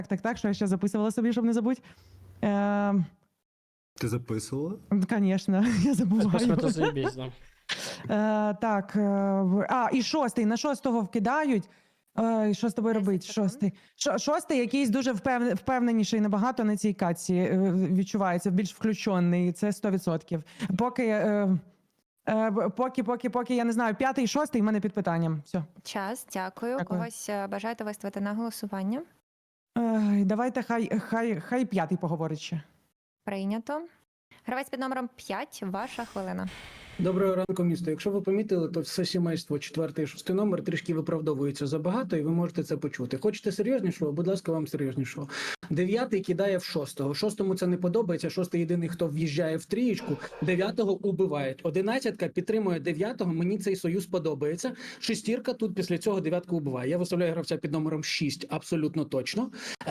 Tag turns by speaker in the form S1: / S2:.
S1: Так, що я ще записувала собі, щоб не забути.
S2: Ти записувала?
S1: Звісно, я забуваю.
S3: Це заєбісь, да.
S1: Так, і шостий. На шостого вкидають. І що з тобою робить? Шостий якийсь дуже впевненіший набагато на цій катці. Відчувається, більш включений. Це 100%. Поки, я не знаю, п'ятий, шостий в мене під питанням. Все.
S4: Час, дякую.
S1: Дякую.
S4: Когось бажаєте виставити на голосування?
S1: Давайте хай п'ятий поговорить ще.
S4: Прийнято. Гравець під номером 5, ваша хвилина.
S5: Доброго ранку, місто. Якщо ви помітили, то все сімейство 4 і 6 номер трішки виправдовується забагато, і ви можете це почути. Хочете серйознішого? Будь ласка, вам серйознішого. 9 кидає в 6-го. 6-му це не подобається. 6-й єдиний, хто в'їжджає в трієчку. 9-го убивають. 11-ка підтримує 9-го. Мені цей союз подобається. 6-ка тут після цього 9-ку убиває. Я виставляю гравця під номером 6 абсолютно точно.